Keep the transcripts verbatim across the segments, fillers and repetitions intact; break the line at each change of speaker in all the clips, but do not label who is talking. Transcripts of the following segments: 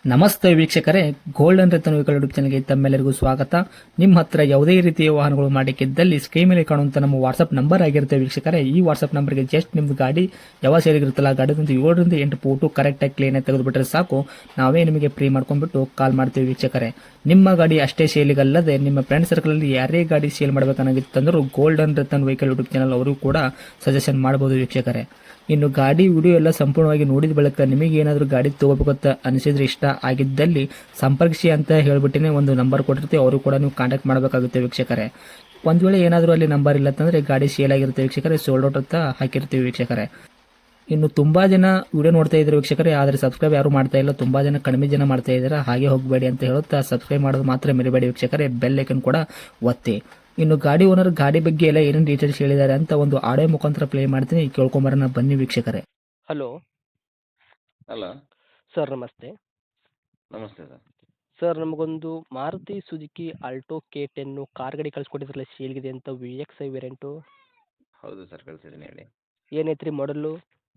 ನಮಸ್ತೆ ವೀಕ್ಷಕರೇ, golden Ratan vehicle YouTube ಚಾನಲ್ಗೆ ತಮ್ಮೆಲ್ಲರಿಗೂ ಸ್ವಾಗತ. ನಿಮ್ಮ ಹತ್ರ ಯಾವುದೇ ರೀತಿಯ ವಾಹನಗಳು ಮಾಡಿಕ್ಕಿದ್ದಲ್ಲಿ ಸ್ಕ್ರೀನ್ ಮೇಲೆ ಕಾಣುವಂತ ನಮ್ಮ ವಾಟ್ಸ್ಆಪ್ ನಂಬರ್ ಆಗಿರುತ್ತೆ ವೀಕ್ಷಕರೇ. ಈ ವಾಟ್ಸ್ಆಪ್ ನಂಬರ್ಗೆ ಜಸ್ಟ್ ನಿಮ್ದು ಗಾಡಿ ಯಾವ ಸೇರಿಗಿರುತ್ತಲ್ಲ ಗಾಡಿದಂತ ಏಳರಿಂದ ಎಂಟು ಫೋಟೋ ಕರೆಕ್ಟಾಗಿ ಕ್ಲೀನ್ ಆಗಿ ತೆಗೆದುಬಿಟ್ರೆ ಸಾಕು, ನಾವೇ ನಿಮಗೆ ಫ್ರೀ ಮಾಡ್ಕೊಂಡ್ಬಿಟ್ಟು ಕಾಲ್ ಮಾಡ್ತೀವಿ ವೀಕ್ಷಕರೇ. ನಿಮ್ಮ ಗಾಡಿ ಅಷ್ಟೇ ಸೇಲಿಗಲ್ಲದೆ ನಿಮ್ಮ ಫ್ರೆಂಡ್ ಸರ್ಕಲ್ ಅಲ್ಲಿ ಯಾರೇ ಗಾಡಿ ಸೇಲ್ ಮಾಡಬೇಕನ್ನಾಗಿತ್ತಂದ್ರೂ golden Ratan vehicle YouTube channel ಅವರು ಕೂಡ ಸಜೆಷನ್ ಮಾಡಬಹುದು ವೀಕ್ಷಕರೇ. ಇನ್ನು ಗಾಡಿ ವಿಡಿಯೋ ಎಲ್ಲ ಸಂಪೂರ್ಣವಾಗಿ ನೋಡಿದ ಬಳಿಕ ನಿಮಗೆ ಏನಾದರೂ ಗಾಡಿ ತಗೋಬೇಕಂತ ಅನಿಸಿದ್ರೆ, ಇಷ್ಟ ಆಗಿದ್ದಲ್ಲಿ ಸಂಪರ್ಕಿಸಿ ಅಂತ ಹೇಳ್ಬಿಟ್ಟಿನೇ ಒಂದು ನಂಬರ್ ಕೊಟ್ಟಿರ್ತೀವಿ, ಅವರು ಕೂಡ ನೀವು ಕಾಂಟ್ಯಾಕ್ಟ್ ಮಾಡಬೇಕಾಗುತ್ತೆ ವೀಕ್ಷಕರೇ. ಒಂದು ವೇಳೆ ಏನಾದರೂ ಅಲ್ಲಿ ನಂಬರ್ ಇಲ್ಲ ಅಂತಂದರೆ ಗಾಡಿ ಸೇಲ್ ಆಗಿರುತ್ತೆ ವೀಕ್ಷಕರೇ, ಸೋಲ್ಡ್ ಔಟ್ ಅಂತ ಹಾಕಿರ್ತೀವಿ ವೀಕ್ಷಕರೇ. ಇನ್ನು ತುಂಬ ಜನ ವಿಡಿಯೋ ನೋಡ್ತಾ ಇದ್ದಾರೆ ವೀಕ್ಷಕರೇ, ಆದರೆ ಸಬ್ಸ್ಕ್ರೈಬ್ ಯಾರು ಮಾಡ್ತಾ ಇಲ್ಲ, ತುಂಬ ಜನ ಕಡಿಮೆ ಜನ ಮಾಡ್ತಾ ಇದ್ದಾರೆ. ಹಾಗೆ ಹೋಗಬೇಡಿ ಅಂತ ಹೇಳುತ್ತಾ ಸಬ್ಸ್ಕ್ರೈಬ್ ಮಾಡೋದು ಮಾತ್ರ ಮರಿಬೇಡಿ ವೀಕ್ಷಕರೇ, ಬೆಲ್ ಐಕನ್ ಕೂಡ ಒತ್ತಿ. ಇನ್ನು ಗಾಡಿ ಓನರ್ ಗಾಡಿ ಬಗ್ಗೆ ಎಲ್ಲ ಏನೇನು ಡೀಟೇಲ್ಸ್ ಹೇಳಿದ್ದಾರೆ ಅಂತ ಒಂದು ಆಡಿಯೋ ಮುಖಾಂತರ ಪ್ಲೇ ಮಾಡ್ತೀನಿ, ಕೇಳ್ಕೊಂಬರೋಣ ಬನ್ನಿ ವೀಕ್ಷಕರೇ.
ಹಲೋ
ಹಲೋ
ಸರ್, ನಮಸ್ತೆ.
ನಮಸ್ತೆ ಸರ್.
ಸರ್, ನಮಗೊಂದು Maruti Suzuki Alto K ten car ಗಾಡಿ ಕಳಿಸ್ಕೊಟ್ಟಿದ್ರಲ್ಲ, ಸೇಲ್ಗಿದೆ ಅಂತ, ವಿ ಎಕ್ಸ್ ಐ ವೇರಿಯಂಟು.
ಹೌದು ಸರ್, ಕಳಿಸಿದ್ದೀನಿ ಹೇಳಿ.
ಏನೈತ್ರಿ ಮಾಡಲು?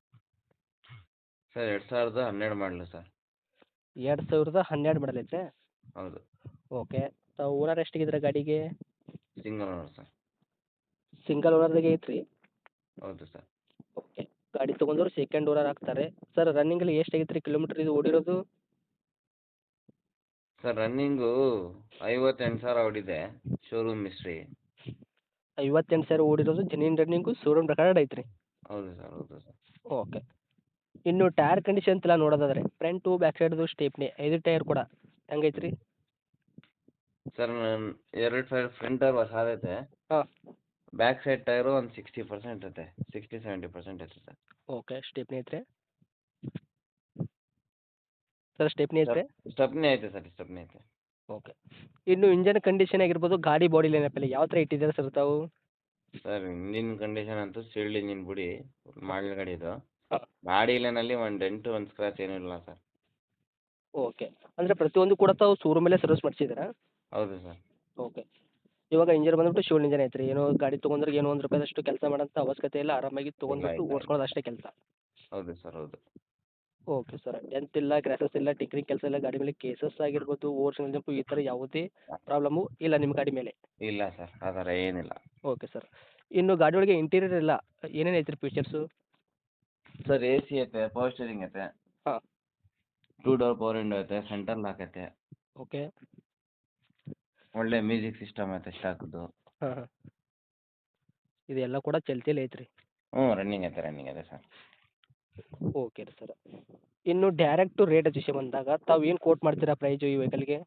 ಸರ್ ಎರಡು ಸಾವಿರದ ಹನ್ನೆರಡು ಮಾಡಲು ಸರ್.
ಎರಡು ಸಾವಿರದ ಹನ್ನೆರಡು ಮಾಡಲ್ ಐತೆ.
ಹೌದು.
ಓಕೆ. ತಾವು ಓನರ್ ಎಷ್ಟಿಗಿದ್ರೆ ಗಾಡಿಗೆ?
Single owner sir.
ಸಿಂಗಲ್ ಓನರ್ದಾಗೆ ಐತ್ರಿ?
ಹೌದು ಸರ್.
ಓಕೆ. ಗಾಡಿ ತೊಗೊಂಡ್ರು ಸೆಕೆಂಡ್ ಓನರ್ ಆಗ್ತಾರೆ. ಸರ್, ರನ್ನಿಂಗಲ್ಲಿ ಎಷ್ಟು ಆಗೈತ್ರಿ ಕಿಲೋಮೀಟ್ರ್ ಇದು ಓಡಿರೋದು?
ಸರ್ ರನ್ನಿಂಗು ಐವತ್ತೆಂಟು ಸಾವಿರ ಹೊಡಿದೆ, ಶೋರೂಮ್ ಮಿಸ್ಟ್ರಿ.
ಐವತ್ತೆಂಟು ಸಾವಿರ ಓಡಿರೋದು, ಜೆನ್ಯೂನ್ ರನ್ನಿಂಗು, ಶೋರೂಮ್ ರೆಕಾರ್ಡ್ ಐತ್ರಿ?
ಹೌದು ಸರ್, ಹೌದು ಸರ್.
ಓಕೆ. ಇನ್ನು ಟೈರ್ ಕಂಡೀಷನ್ ಎಲ್ಲ ನೋಡೋದಾದ್ರೆ ಫ್ರಂಟು ಬ್ಯಾಕ್ ಸೈಡ್ದು ಸ್ಟೇಪ್ನಿ ಐದು ಟೈರ್ ಕೂಡ ಹೆಂಗೈತ್ರಿ?
ಸರ್ ನಾನು ಎರಡು ಸೈಡ್ ಫ್ರಂಟ್ ಟೈರ್ ಹೊಸಾದೈತೆ.
ಹಾಂ.
ಬ್ಯಾಕ್ ಸೈಡ್ ಟೈರು ಒಂದು ಸಿಕ್ಸ್ಟಿ ಪರ್ಸೆಂಟ್ ಐತೆ, ಸಿಕ್ಸ್ಟಿ ಸೆವೆಂಟಿ ಪರ್ಸೆಂಟ್ ಐತೆ ಸರ್.
ಓಕೆ. ಸ್ಟೇಪ್ನಿ ಐತ್ರಿ? ಸರ್, ಸ್ಟೆಪ್ನಿ ಐತ್ರಿ?
ಸ್ಟೆಪ್ನಿ ಐತೆ ಸರ್, ಸ್ಟೆಪ್ನಿ ಐತೆ.
ಓಕೆ. ಇನ್ನು ಇಂಜನ್ ಕಂಡೀಷನ್ ಆಗಿರ್ಬೋದು, ಗಾಡಿ ಬಾಡಿ ಲೈನಪ್ಪಲ್ಲಿ ಯಾವ ಥರ ಇಟ್ಟಿದ್ದಾರೆ ಸರ್ ತಾವು?
ಸರ್ ಇಂಜಿನ್ ಕಂಡೀಷನ್ ಅಂತೂ ಸೀಲ್ಡ್ ಇಂಜಿನ್ ಬಿಡಿ, ಮಾಡಲ್ ಗಾಡಿ ಇದು.
ಹಾಂ.
ಗಾಡಿ ಲೈನಲ್ಲಿ ಒಂದು ಡೆಂಟು ಒಂದು ಸ್ಕ್ರಾಚ್ ಏನೂ ಇಲ್ಲ ಸರ್.
ಓಕೆ. ಅಂದರೆ ಪ್ರತಿಯೊಂದು ಕೂಡ ತಾವು ಶೋರೂಮಲ್ಲೇ ಸರ್ವಿಸ್ ಮಾಡಿಸಿದ್ದೀರಾ?
ಹೌದು ಸರ್.
ಓಕೆ. ಇವಾಗ ಇಂಜನ್ ಬಂದ್ಬಿಟ್ಟು ಶಿವಲ್ ಇಂಜನ್ ಐತ್ರಿ, ಏನೋ ಗಾಡಿ ತೊಗೊಂಡ್ರೆ ಏನೋ ಒಂದು ರೂಪಾಯಿದಷ್ಟು ಕೆಲಸ ಮಾಡೋಂಥ ಅವಶ್ಯಕತೆ ಇಲ್ಲ, ಆರಾಮಾಗಿ ತೊಗೊಂಡ್ಬಿಟ್ಟು
ಇಲ್ಲ, ಇಲ್ಲ.
ಓಡಿಸ್ಕೊಳ್ಳೋದು ಅಷ್ಟೇ ಕೆಲಸ.
ಹೌದು ಸರ್, ಹೌದು.
Okay sir. ಡೆಂತ್ ಇಲ್ಲ, ಕ್ರ್ಯಾಸಸ್ ಇಲ್ಲ, ಟಿಂಕ್ರಿಂಗ್ ಕೆಲಸ ಇಲ್ಲ, ಗಾಡಿ ಮೇಲೆ ಕೇಸಸ್ ಆಗಿರ್ಬೋದು, ಓರ್ಜಿನಲ್ ಜಂಪು, ಈ ಥರ ಯಾವುದೇ ಪ್ರಾಬ್ಲಮ್ಮು ಇಲ್ಲ ನಿಮ್ಮ ಗಾಡಿ ಮೇಲೆ?
ಇಲ್ಲ ಸರ್, ಆ ಥರ ಏನಿಲ್ಲ.
Okay sir. ಇನ್ನು ಗಾಡಿ ಒಳಗೆ ಇಂಟೀರಿಯರ್ ಎಲ್ಲ ಏನೇನು ಐತ್ರಿ ಫೀಚರ್ಸು?
ಸರ್ ಎ ಸಿ ಐತೆ, ಪವರ್ ಸ್ಟೇರಿಂಗ್ ಐತೆ.
ಹಾಂ.
ಟೂ ಡೋರ್ ಪವರ್ ವಿಂಡೋ ಐತೆ, ಸೆಂಟರ್ ಲಾಕ್ ಐತೆ.
ಓಕೆ.
ಒಳ್ಳೆ ಮ್ಯೂಸಿಕ್ ಸಿಸ್ಟಮ್ ಐತೆ ಸ್ಟಾಕ್ದು.
ಹಾಂ ಹಾಂ. ಇದೆಲ್ಲ ಕೂಡ ಚಲ್ತಿಯಲ್ಲಿ ಐತ್ರಿ?
ಹ್ಞೂ ರನ್ನಿಂಗ್ ಐತೆ, ರನ್ನಿಂಗ್ ಐತೆ ಸರ್.
ಓಕೆ ರೀ ಸರ್. ಇನ್ನು ಡೈರೆಕ್ಟು ರೇಟ್ ವಿಷಯ ಬಂದಾಗ ತಾವು ಏನು ಕೋಟ್ ಮಾಡ್ತೀರಾ ಪ್ರೈಜು ಈ ವೆಹಿಕಲ್ಗೆ?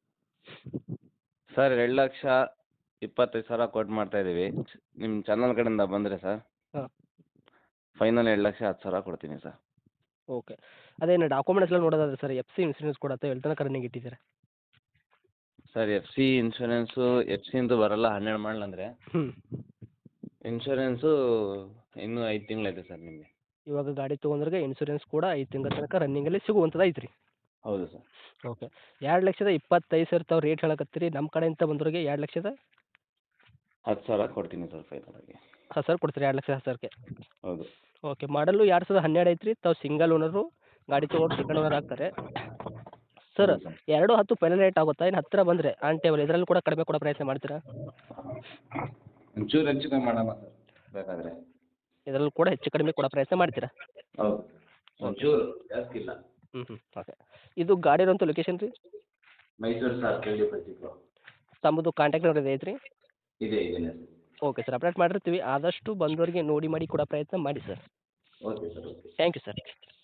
ಸರ್ ಎರಡು ಲಕ್ಷ ಇಪ್ಪತ್ತೈದು ಸಾವಿರ ಕೊಟ್ಟು ಮಾಡ್ತಾ ಇದ್ದೀವಿ. ನಿಮ್ಮ ಚಾನಲ್ ಕಡೆಯಿಂದ ಬಂದರೆ ಸರ್
ಹಾಂ.
ಫೈನಲ್ ಎರಡು ಲಕ್ಷ ಹತ್ತು ಸಾವಿರ ಕೊಡ್ತೀನಿ ಸರ್.
ಓಕೆ. ಅದೇನು ಡಾಕ್ಯುಮೆಂಟ್ಸ್ ಎಲ್ಲ ನೋಡೋದಾದ್ರೆ ಸರ್, ಎಫ್ ಸಿ ಇನ್ಸೂರೆನ್ಸ್ ಕೂಡ ಎಲ್ಲಿ ತನಕ ರನ್ನಿಂಗ್ ಇಟ್ಟಿದ್ದೀರಾ?
Sir F C insurance F ಸಿಂದು ಬರಲ್ಲ, ಹನ್ನೆರಡು ಮಾಡಲ್ ಅಂದರೆ.
ಹ್ಞೂ.
ಇನ್ಶೂರೆನ್ಸು ಇನ್ನೂ ಐದು ತಿಂಗಳೈತೆ ಸರ್ ನಿಮಗೆ.
ಇವಾಗ ಗಾಡಿ ತೊಗೊಂಡ್ರೆ ಇನ್ಸೂರೆನ್ಸ್ ಕೂಡ ಐದು ತಿಂಗಳ ತನಕ ರನ್ನಿಂಗಲ್ಲಿ ಸಿಗುವಂಥದ್ದು ಐತ್ರಿ?
ಹೌದು ಸರ್.
ಓಕೆ. ಎರಡು ಲಕ್ಷದ ಇಪ್ಪತ್ತೈದು ಸಾವಿರ ತಾವು ರೇಟ್ ಹೇಳಕತ್ತೀರಿ, ನಮ್ಮ ಕಡೆಯಿಂದ ಬಂದವ್ರಿಗೆ ಎರಡು ಲಕ್ಷದ
ಹತ್ತು ಸಾವಿರ ಕೊಡ್ತೀನಿ ಸರ್ ಫೈನಲಾಗಿ.
ಹಾಂ ಸರ್, ಕೊಡ್ತೀರಿ ಎರಡು ಲಕ್ಷ ಹತ್ತು ಸಾವಿರಕ್ಕೆ?
ಹೌದು.
ಓಕೆ. ಮಾಡಲು ಎರಡು ಸಾವಿರದ ಹನ್ನೆರಡು ಐತ್ರಿ, ತಾವು ಸಿಂಗಲ್ ಓನರು, ಗಾಡಿ ತೊಗೊಂಡು ಸೆಕೆಂಡ್ ಓನರ್ ಆಗ್ತಾರೆ. ಸರ್,
ಹೌದು ಸರ್.
ಎರಡು ಹತ್ತು ಫೈನಲ್ ರೇಟ್ ಆಗುತ್ತಾ? ಇನ್ನು ಹತ್ತಿರ ಬಂದರೆ ಆನ್ ಟೇಬಲ್ ಇದರಲ್ಲಿ ಕೂಡ ಕಡಿಮೆ ಕೊಡೋ ಪ್ರಯತ್ನ ಮಾಡ್ತೀರಾ?
ಒಂಚೂರು ಹೆಚ್ಚು ಕಮ್ಮಿ ಮಾಡೋಣ ಸರ್ ಬೇಕಾದರೆ.
ಇದರಲ್ಲೂ ಕೂಡ ಹೆಚ್ಚು ಕಡಿಮೆ ಕೊಡೋ ಪ್ರಯತ್ನ ಮಾಡ್ತೀರಾ?
ಹೌದು, ಒಂಚೂರು ಜಾಸ್ತಿ ಇಲ್ಲ.
ಹ್ಞೂ ಹ್ಞೂ. ಓಕೆ. ಇದು ಗಾಡಿ ಇರೋಂಥ ಲೊಕೇಶನ್ ರೀ?
ಮೈಸೂರು ಸರ್, ಕೇಳಿ ಬರ್ತಿತ್ತು.
ತಮ್ಮದು ಕಾಂಟ್ಯಾಕ್ಟ್ ನಂಬರ್ ಇದೆ ಐತ್ರಿ?
ಇದೆ ಇದೆ ಸರ್.
ಓಕೆ ಸರ್, ಅಪ್ಡೇಟ್ ಮಾಡಿರ್ತೀವಿ. ಆದಷ್ಟು ಬಂದವರಿಗೆ ನೋಡಿ ಮಾಡಿ ಕೊಡೋ ಪ್ರಯತ್ನ ಮಾಡಿ sir.
Okay sir, okay.
Thank you sir.